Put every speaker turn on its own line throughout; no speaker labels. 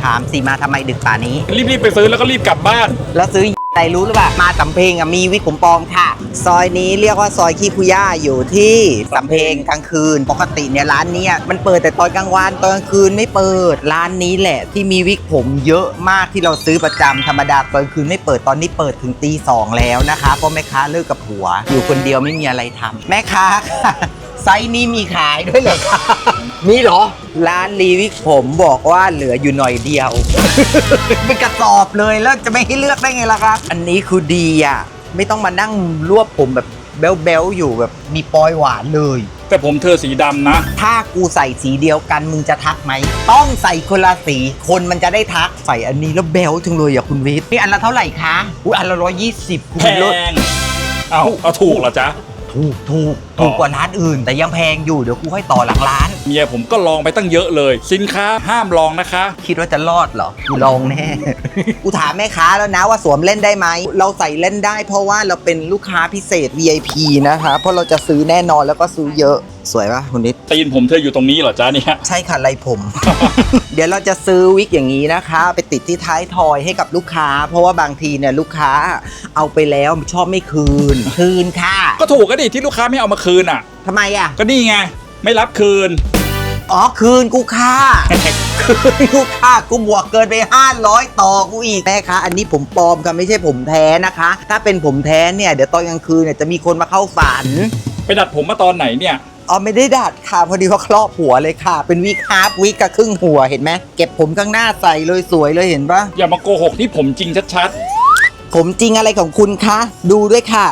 ถามสิมาทำไมดึกป่านี้
รีบไปซื้อแล้วก็รีบกลับบ้าน
แล้วซื้ออะไรรู้หรือเปล่ามาสำเพ็งมีวิกผมปลอมค่ะซอยนี้เรียกว่าซอยขี้คุย่าอยู่ที่สำเพ็งกลางคืนปกติเนี่ยร้านนี้มันเปิดแต่ตอนกลางวันตอนกลางคืนไม่เปิดร้านนี้แหละที่มีวิกผมเยอะมากที่เราซื้อประจำธรรมดาตอนคืนไม่เปิดตอนนี้เปิดถึงตี 2แล้วนะคะเพราะแม่ค้าเลิกกับผัวอยู่คนเดียวไม่มีอะไรทำแม่ค้าค่ะไซส์นี้มีขายด้วยเหรอคะมีเหรอร้านรีวิกผมบอกว่าเหลืออยู่หน่อยเดียว เป็นกระสอบเลยแล้วจะไม่ให้เลือกได้ไงล่ะครับอันนี้คือดีอ่ะไม่ต้องมานั่งรวบผมแบบเบลอยู่แบบมีปอยหวานเลย
แต่ผมเธอสีดำนะ
ถ้ากูใส่สีเดียวกันมึงจะทักไหมต้องใส่คนละสีคนมันจะได้ทักใส่อันนี้แล้วเบลจังเลยอ่ะคุณวิทย์นี่อันละเท่าไหร่คะอันละ120
แพงเอาถูกเหรอจ๊ะ
ถูกกว่าร้านอื่นแต่ยังแพงอยู่เดี๋ยวกูให้ต่อหลังร้าน
เมียผมก็ลองไปตั้งเยอะเลยสินค้าห้ามลองนะคะ
คิดว่าจะรอดเหรอกูลองแน่ กูถามแม่ค้าแล้วนะว่าสวมเล่นได้ไหมเราใส่เล่นได้เพราะว่าเราเป็นลูกค้าพิเศษ VIP นะคะเพราะเราจะซื้อแน่นอนแล้วก็ซื้อเยอะสวยปะคุณนิด
ตีนผมเธออยู่ตรงนี้เหรอจ๊ะเนี่ย
ใช่ค่ะไรผม เดี๋ยวเราจะซื้อวิกอย่างนี้นะคะไปติดที่ท้ายทอยให้กับลูกค้าเพราะว่าบางทีเนี่ยลูกค้าเอาไปแล้วชอบไม่คืนค่ะ
ก็ถูกก็ดิที่ลูกค้าไม่เอามาคืนอ่ะ
ทำไมอ่ะ
ก็นี่ไงไม่รับคืน
คืนกูค่า คืนกูค่ากูบวกเกินไป500ต่อกูอีกแม่คะอันนี้ผมปลอมค่ะไม่ใช่ผมแท้นะคะถ้าเป็นผมแท้เนี่ยเดี๋ยวตอนกลางคืนเนี่ยจะมีคนมาเข้าฝัน
ไปดัดผมมาตอนไหนเนี่ย
ไม่ได้ดัดค่ะพอดีว่าครอบหัวเลยค่ะเป็นวิกฮาร์ฟวิกกับครึ่งหัวเห็นไหมเก็บผมข้างหน้าใส่เลยสวยเลยเห็นปะ
อย่ามาโกหกที่ผมจริงชัด
ผมจริงอะไรของคุณคะดูด้วยค่ะ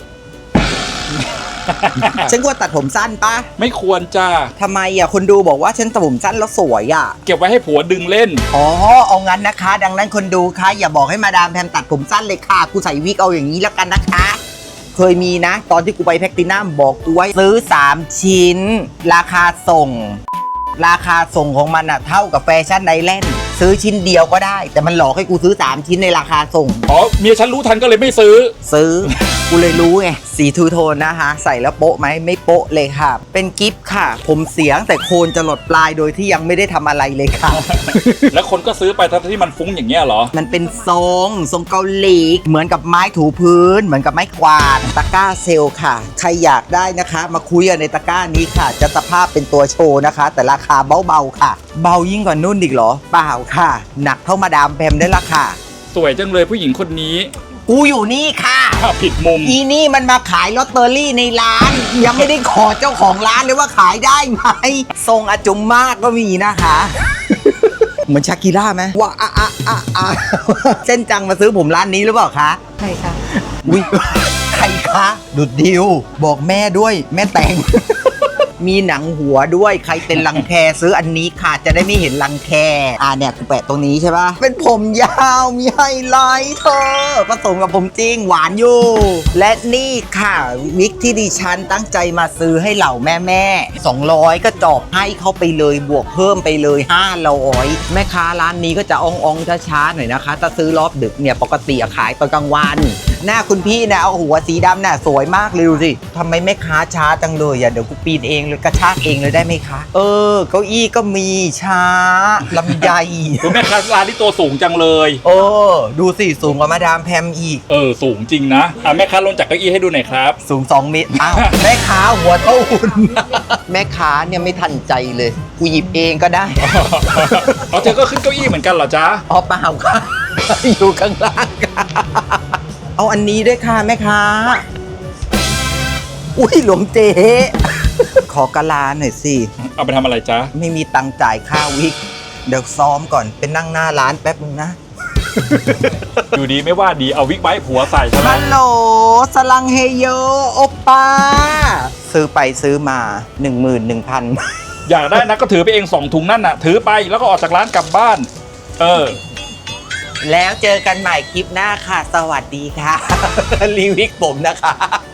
ฉันควรตัดผมสั้นปะ
ไม่ควรจ้า
ทำไมคนดูบอกว่าฉันตัดผมสั้นแล้วสวย
เก็บไว้ให้ผัวดึงเล่น
เอางั้นนะคะดังนั้นคนดูคะอย่าบอกให้มาดามแพมตัดผมสั้นเลยค่ะกูใส่วิกเอาอย่างนี้แล้วกันนะคะเคยมีนะตอนที่กูไปแพคตินัมบอกกูไว้ซื้อ3ชิ้นราคาส่งของมันเท่ากับแฟชั่นไอแลนด์ซื้อชิ้นเดียวก็ได้แต่มันหลอกให้กูซื้อ3ชิ้นในราคาส่ง
เมียฉันรู้ทันก็เลยไม่ซื้อ
กูเลยรู้ไงสีทูโทนนะคะใส่แล้วโป๊ะไหมไม่โป๊ะเลยค่ะเป็นกิฟต์ค่ะผมเสียงแต่โคนจะหลดปลายโดยที่ยังไม่ได้ทำอะไรเลยค่ะ
แล้วคนก็ซื้อไปทั้งที่มันฟุ้งอย่างเงี้ยเหรอ
มันเป็นทรงเกาหลีเหมือนกับไม้ถูพื้นเหมือนกับไม้กวาดตะกร้าเซลค่ะใครอยากได้นะคะมาคุยกันในตะกร้านี้ค่ะจะสภาพเป็นตัวโชว์นะคะแต่ราคาเบาๆค่ะเบายิ่งกว่านุ่นอีกเหรอเปล่าค่ะหนักเท่ามาดามแพมได้ละค่ะ
สวยจังเลยผู้หญิงคนนี้
กูอยู่นี่ค่ะ
ผิดมุม
อีนี่มันมาขายลอตเตอรี่ในร้านยังไม่ได้ขอเจ้าของร้านเลยว่าขายได้ไหมทรงอาจุมมากก็มีนะคะเหมือนชากิร่าไหมว่าเส้นจังมาซื้อผมร้านนี้หรือเปล่าคะใช่ค่ะอุ้ยใครคะดุดดิวบอกแม่ด้วยแม่แต่งมีหนังหัวด้วยใครเป็นรังแคซื้ออันนี้ค่ะจะได้ไม่เห็นรังแคเนี่ยกูแปะตรงนี้ใช่ปะเป็นผมยาวมีไฮไลท์เธอผสมกับผมจริงหวานอยู่และนี่ค่ะวิกที่ดิฉันตั้งใจมาซื้อให้เหล่าแม่200ก็จบให้เขาไปเลยบวกเพิ่มไปเลย500แม่ค้าร้านนี้ก็จะอ่องช้าๆหน่อยนะคะถ้าซื้อรอบดึกเนี่ยปกติขายตอนกลางวันหน้าคุณพี่นะเอาหัวสีดำน่ะสวยมากเลยดูสิทำไมแม่ค้าช้าจังเลยเดี๋ยวกูปีนเองเลยกระชากเองเลยได้ไหมคะเก้าอี้ก็มีช้าลำไย
คุณแม่ค้าร้านที่ตัวสูงจังเลย
ดูสิสูงกว่ามาดามแพมอีก
สูงจริงนะแม่ค้าลงจากเก้าอี้ให้ดูหน่อยครับ
สูง2 เมตรแม่ค้าหัวเท่าหุ่นแม่ค้าเนี่ยไม่ทันใจเลยกูหยิบเองก็ได้
เธอก็ขึ้นเก้าอี้เหมือนกันเหรอจ๊ะ
เปล่าค่ะอยู่ข้างล่างเอาอันนี้ด้วยค่ะแม่ค้าอุ้ยหลวงเจ๊ขอกะลาหน่อยสิ
เอาไปทำอะไรจ๊ะ
ไม่มีตังค์จ่ายค่าวิกเดี๋ยวซ้อมก่อนเป็นนั่งหน้าร้านแป๊บนึงนะ
อยู่ดีไม่ว่าดีเอาวิกไว้ผัวใส่ใช่ไหม
ฮัลโหลสลังเฮโยโอป้าซื้อไปซื้อมา 11,000
อยากได้นะก็ถือไปเอง2 ถุงนั่นน่ะถือไปแล้วก็ออกจากร้านกลับบ้าน
แล้วเจอกันใหม่คลิปหน้าค่ะสวัสดีค่ะรีวิกผมนะคะ